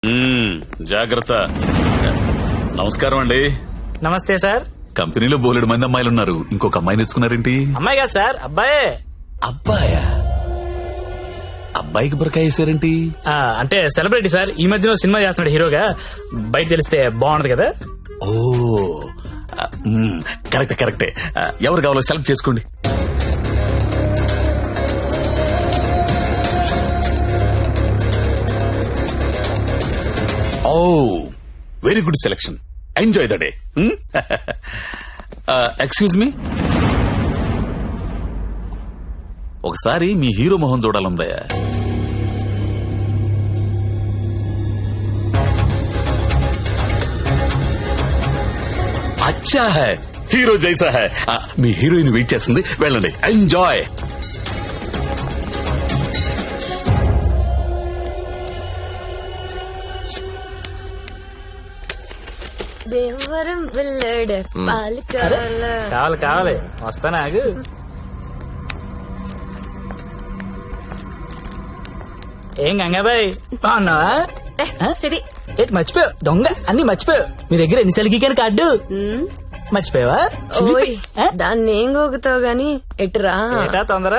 జాగ్రత్త. నమస్కారం అండి. నమస్తే సార్. కంపెనీలో బోలెడు మంది అమ్మాయిలు ఉన్నారు, ఇంకొక అమ్మాయిని తెచ్చుకున్నారేంటి? అమ్మాయి కాదు సార్, అబ్బాయే. అబ్బాయా? అబ్బాయికి బురకాయ వేసారేంటి? అంటే సెలబ్రిటీ సార్, ఈ మధ్యలో సినిమా చేస్తున్నాడు హీరోగా, బయట తెలిస్తే బాగుంటది కదా. ఓ కరెక్టే. ఎవరు కావాలో సెలెక్ట్ చేసుకోండి. Oh very good selection. Enjoy the day. Excuse me, ఒకసారి మీ హీరో మొహం చూడాలందయ్యా. అచ్చా హై, హీరో జైసా హై. మీ హీరోయిన్ వెయిట్ చేస్తుంది, వెళ్ళండి. ఎంజాయ్. దేవరం వెళ్ళాడు పాలు కావాలి వస్తానా, ఆగు. ఏం గంగాబాయ్ బాగున్నావా? ఏంటి మర్చిపోయావు? దొంగ అన్ని మర్చిపోయావు. మీ దగ్గర ఎన్నిసార్లు గీకాను కార్డు మర్చిపోయావా? దాన్ని ఏం గోగుతావు గాని ఎటురా ఏటా తొందర.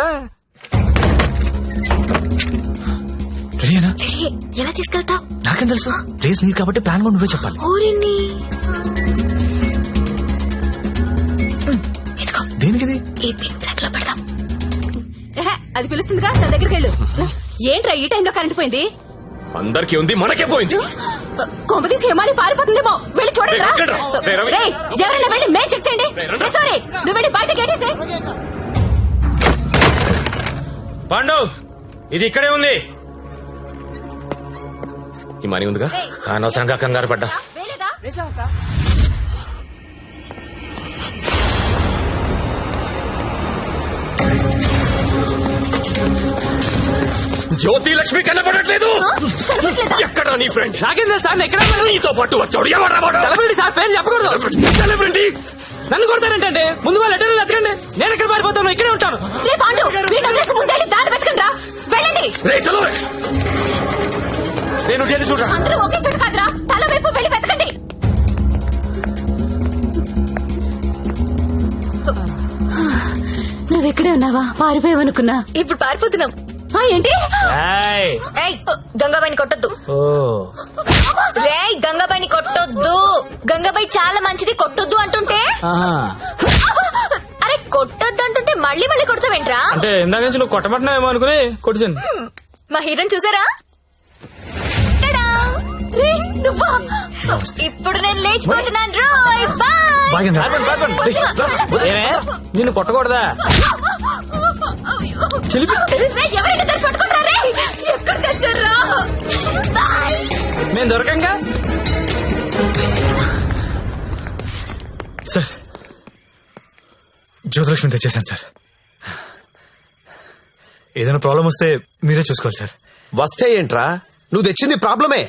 ఎలా తీసుకెళ్తావు? నాకేం తెలుసు, ప్లేస్ నీది కాబట్టి ప్లాన్ కూడా నువ్వే చెప్పాలి. దేనికిది? అది పిలుస్తుందిగా, నా దగ్గరికి వెళ్ళు. ఏంట్రా ఈ టైంలో కరెంట్ పోయింది? అందరికీ ఉంది, మనకే పోయింది. కొంప తీసి హేమాలి పారిపోతుందేమో, వెళ్ళి చూడండి. ఎవరైనా వెళ్ళి మేం చెక్ చేయండి. సారీ, నువ్వు వెళ్ళి బయట గేటేసే. పాండు, ఇది ఇక్కడే ఉంది. ఈ మనీ ఉందిగా, అనవసరంగా కంగారు పడ్డా. జ్యోతి లక్ష్మి కనబడట్లేదు. ఎక్కడ నీ ఫ్రెండ్? నాకేం తెలుసు సార్, ఎక్కడ నీతో పాటు వచ్చాడు. ఎవరు సెలబ్రిటీ సార్, పేరు చెప్పకూడదు. సెలబ్రిటీ నన్ను కొడతారంటే ముందు వాళ్ళు లెటర్లు ఎత్తకండి, నేను ఎక్కడ పారిపోతాను, ఇక్కడే ఉంటాను. వెళ్ళండి. నేను చూడరా, అందరూ ఒకే చోట కాదురా, తల వైపు వెళ్ళి వెతకండి. నువ్వెక్కడే ఉన్నావా? పారిపోయావనుకున్నా. ఇప్పుడు పారిపోతున్నాం. ఏంటి? గంగాబాయిని కొట్టొద్దు. రేయ్, గంగాబాయిని కొట్టొద్దు. గంగాబాయి చాలా మంచిది, కొట్టొద్దు అంటుంటే. అరే కొట్టొద్దు అంటుంటే మళ్ళీ మళ్ళీ కొడతావేంట్రా? అంటే ఇందాక నుంచి నువ్వు కొట్టబట్టినావేమో అనుకుని కొట్టించాను. మా హీరోని చూసారా? ఇప్పుడు నేను లేచిపోతున్నాను. నిన్ను కొట్టకూడదా? ఎవరైనా పట్టుకుంటారే? ఎక్కడ చచ్చారా? నేను దొరకంగా. సార్, జ్యోతిలక్ష్మి తెచ్చేసాను సార్. ఏదైనా ప్రాబ్లం వస్తే మీరే చూసుకోవాలి సార్. వస్తే ఏంట్రా, నువ్వు తెచ్చింది ప్రాబ్లమే.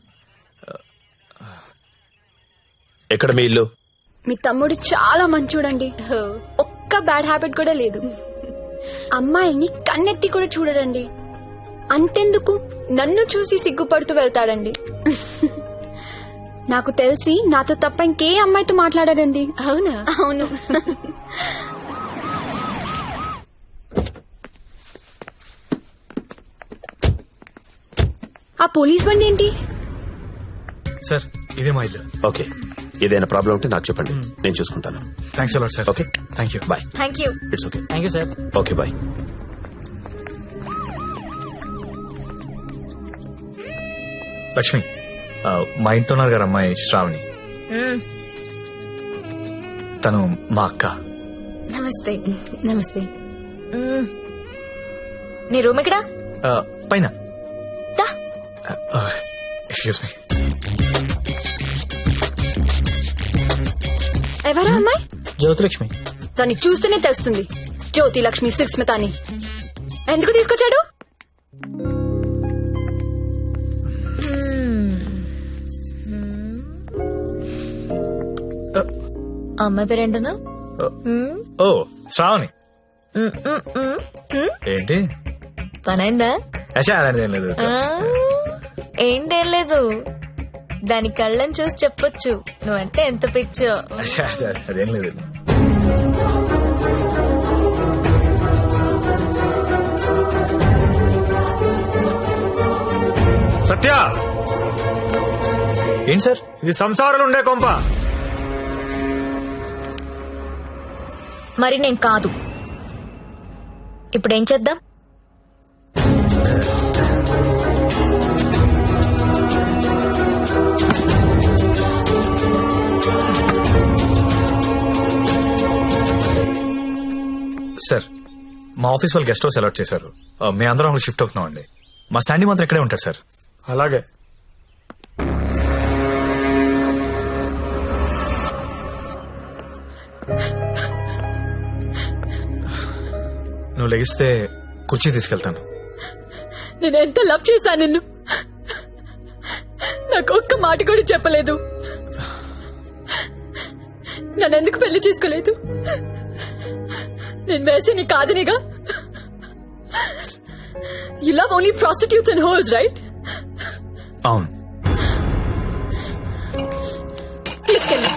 ఎక్కడ మీ ఇల్లు? మీ తమ్ముడు చాలా మంచోడండి, ఒక్క బ్యాడ్ హ్యాబిట్ కూడా లేదు. అమ్మాయిని కన్నెత్తి కూడా చూడడండి. అంతెందుకు నన్ను చూసి సిగ్గుపడుతూ వెళ్తాడండి. నాకు తెలిసి నాతో తప్ప ఇంకే అమ్మాయితో మాట్లాడాడండి. అవునా? అవును. ఆ పోలీస్ బండి ఏంటి? సార్, ఇదే మా ఇల్లు. ఓకే, ఏదైనా ప్రాబ్లం ఉంటే నాకు చెప్పండి, నేను చూసుకుంటాను. Thanks a lot sir. Okay, thank you. Bye. Thank you. It's okay. Thank you sir. Okay, bye. Lakshmi, మా ఇంట్లో ఉన్నారు గారు అమ్మాయి శ్రావణి. తను మా అక్క. నమస్తే. నమస్తే. నీ రూమ్ ఎక్కడా? పైన. Excuse me. ఎవరా అమ్మాయి? జ్యోతిలక్ష్మి. దాన్ని చూస్తేనే తెలుస్తుంది, జ్యోతి లక్ష్మి సుస్మిత అని. ఎందుకు తీసుకొచ్చాడు? అమ్మాయి పేరేంటనా? ఓ, శ్రావణి. ఏంటి పనైందా? అలాంటిది ఏం లేదు. ఏంటేం లేదు, దాని కళ్ళని చూసి చెప్పొచ్చు నువ్వంటే ఎంత పిచ్చో. అదేం లేదు. సత్య, ఏంటి సార్? ఇది సంసారాలు ఉండే కొంప. మరి నేను కాదు. ఇప్పుడేం చేద్దాం? సార్, మా ఆఫీస్ వాళ్ళు గెస్ట్ హౌస్ అలాట్ చేశారు. మేము అందరం అక్కడ షిఫ్ట్ అవుతున్నాం అండి. మా శాండీ మాత్రం ఇక్కడే ఉంటారు సార్. అలాగే. నువ్వు లెగిస్తే కుర్చీ తీసుకెళ్తాను. నేను ఎంత లవ్ చేశా నిన్ను, నాకు ఒక్క మాట కూడా చెప్పలేదు. నన్నెందుకు పెళ్లి చేసుకోలేదు? నేను వేసి నీ కాదనిగా. You love only prostitutes and whores, right? అవును. తీసుకెళ్ళి.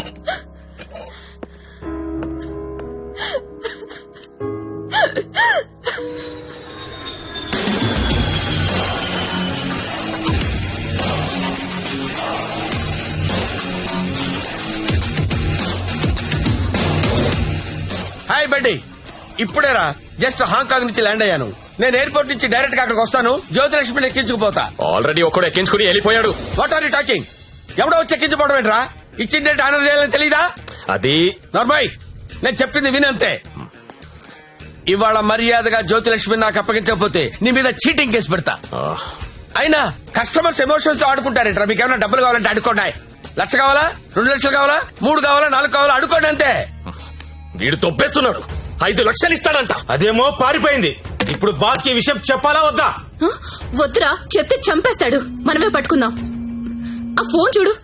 హాయ్ బడ్డీ, ఇప్పుడేరా జస్ట్ హాంకాంగ్ నుంచి ల్యాండ్ అయ్యాను. నేను ఎయిర్పోర్ట్ నుంచి డైరెక్ట్ గా అక్కడికి వస్తాను. జ్యోతిలక్ష్మిని ఎక్కించుకుపోతా. ఆల్రెడీ ఒక్కడు ఎక్కించుకుని వెళ్ళిపోయాడు. What are you talking? ఎవడో వచ్చి ఎక్కించుకోవడం ఏంట్రా? ఇచ్చిండే ఆనర్ చేయాలని తెలీదా? అది నార్మల్, నేను చెప్పింది వినంతే. ఇవాళ మర్యాదగా జ్యోతిలక్ష్మి నాకు అప్పగించకపోతే నీ మీద చీటింగ్ కేసు పెడతా. అయినా కస్టమర్స్ ఎమోషన్స్ తో ఆడుకుంటారేంట్రా? మీకు ఏమైనా డబ్బులు కావాలంటే అడుకోండి. 1,00,000 కావాలా, 2 లక్షలు కావాలా, 3 కావాలా, 4 కావాలా, అడుకోండి అంతే. వీడు తొప్పేస్తున్నాడు. 5 లక్షలు ఇస్తాడంట. అదేమో పారిపోయింది. ఇప్పుడు బాస్ కి విషయం చెప్పాలా వద్దా? వద్దురా, చెప్తే చంపేస్తాడు. మనమే పట్టుకుందాం. ఆ ఫోన్ చూడు.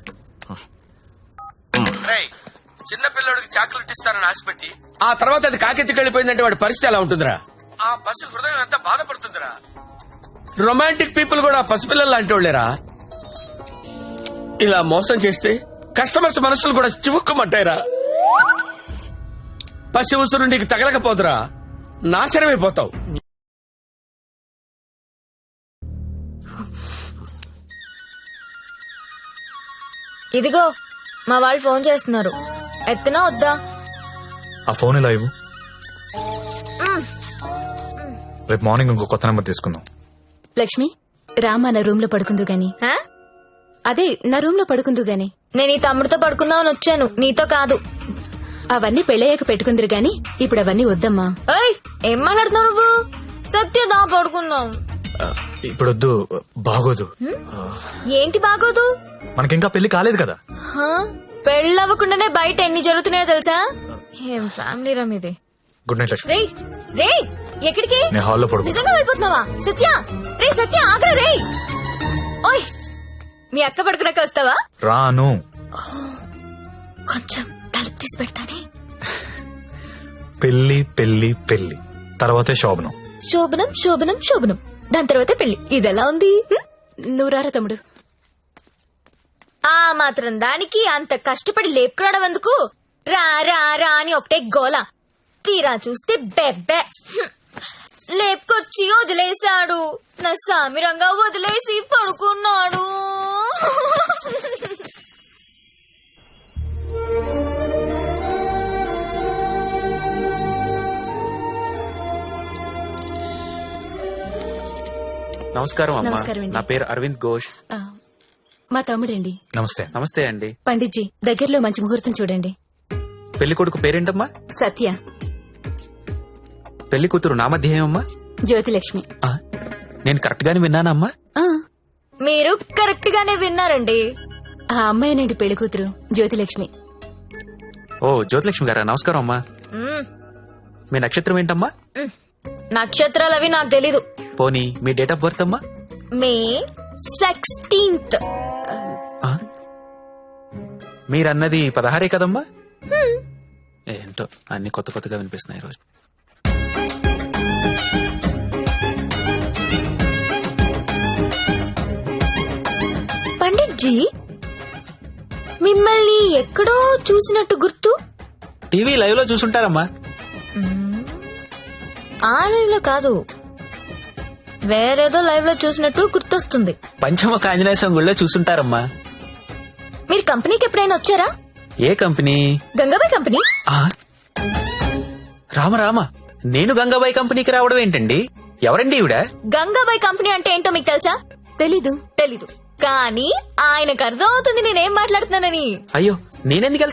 చిన్న పిల్లడికి చాక్లెట్ ఇస్తానని ఆశపెట్టి ఆ తర్వాత అది కాకెత్తికి వెళ్ళిపోయిందంటే వాడి పరిస్థితి ఎలా ఉంటుందిరా? ఆ పసి హృదయం ఎంత బాధపడుతుందిరా? రొమాంటిక్ పీపుల్ కూడా పసిపిల్లలు లాంటి వాళ్ళేరా. ఇలా మోసం చేస్తే కస్టమర్స్ మనసులు కూడా చివుక్కుమంటాయిరా. పసి ఉసురు నీకు తగలకపోదురా, నాశనమైపోతావు. ఇదిగో మా వాళ్ళు ఫోన్ చేస్తున్నారు, ఎత్తనా వద్దా? ఆ ఫోన్ ఇలా ఇవ్వు. రేపు మార్నింగ్ ఇంకో కొత్త నెంబర్ తీసుకుందాం. లక్ష్మి, రామా నా రూమ్ లో పడుకుందు గాని. హా? అదే నా రూమ్ లో పడుకుందు గాని. నేను ఈ తమ్ముడితో పడుకుందామని వచ్చాను, నీతో కాదు. అవన్నీ పెళ్ళయ్యాక పెట్టుకుందరు గాని ఇప్పుడు అవన్నీ వద్దమ్మా. ఏయ్, ఏం మాట్లాడుతున్నావు నువ్వు? సత్యదా పడుకుందాం. ఇప్పుడు వద్దు, బాగోదు. ఏంటి బాగోదు? మనకింకా పెళ్లి కాలేదు కదా. పెళ్ళవ్వకుండానే బయట ఎన్ని జరుగుతున్నాయో తెలుసా? ఏం ఫ్యామిలీ రా మీది. Good night Lakshmi. రేయ్ రేయ్, ఎక్కడికి? నేను హాల్లో పడుకో. నిజంగా వెళ్ళిపోతున్నావా? సత్య, రే సత్య, ఆగ్రా రే. ఓయ్, మీ అక్క పడుకున్నాక వస్తావా? రాను. కొంచెం తలుపు తీసి పెడతానే. పెళ్లి పెళ్లి పెళ్లి తర్వాతే శోభనం. శోభనం శోభనం శోభనం, దాని తర్వాత పెళ్లి. ఇదెలా ఉంది? నువ్వు రారా తమ్ముడు. ఆ మాత్రం దానికి అంత కష్టపడి లేపుకురావడం ఎందుకు? రా రా రా అని ఒకటే గోల. తీరా చూస్తే బెబ్బె. లేపుకొచ్చి వదిలేశాడు. నా సామిరంగా వదిలేసి పడుకున్నాడు. నమస్కారం అమ్మా. నమస్కారం అండి. నా పేరు అరవింద్ ఘోష్. మా తమ్ముడండి. నమస్తే. నమస్తే అండి. పండిట్జీ, దగ్గరలో మంచి ముహూర్తం చూడండి. పెళ్లి కొడుకు పేరేంటమ్మా? సత్య. పెళ్లి కూతురు నామధ్యేయమ్మా? జ్యోతిలక్ష్మి. నేను కరెక్ట్ గానే విన్నానమ్మా? మీరు కరెక్ట్ గానే విన్నారండి. ఆ అమ్మాయినండి పెళ్లి కూతురు, జ్యోతిలక్ష్మి. ఓ, జ్యోతిలక్ష్మి గారా, నమస్కారం అమ్మా. మీ నక్షత్రం ఏంటమ్మా? నక్షత్రాలు అవి నాకు తెలీదు. పోనీ మీ డేట్ ఆఫ్ బర్త్ అమ్మా? మే 16th. మీరన్నది 16 కదమ్మా? ఏంటో అన్ని కొత్త కొత్తగా వినిపిస్తున్నాయి రోజు. బుజ్జి మిమ్మల్ని ఎక్కడో చూసినట్టు గుర్తు. టీవీ లైవ్ లో చూసుంటారమ్మా. ఆ లైవ్ లో కాదు, వేరేదో లైవ్ లో చూసినట్టు గుర్తొస్తుంది. పంచముఖ ఆంజనేయ స్వామి గుళ్ళో చూసుంటారమ్మా. మీరు కంపెనీకి ఎప్పుడైనా వచ్చారా? ఏ కంపెనీ? గంగాబాయ్ కంపెనీ. ఆ? రామ రామ, నేను గంగాబాయి కంపెనీకి రావడం ఏంటండి? ఎవరండి ఈవిడ? గంగాబాయ్ కంపెనీ అంటే ఏంటో మీకు తెలుసా? తెలీదు. తెలీదు, కానీ ఆయనకు అర్థం అవుతుంది నేనేం మాట్లాడుతున్నానని. అయ్యో, నేనెందుకు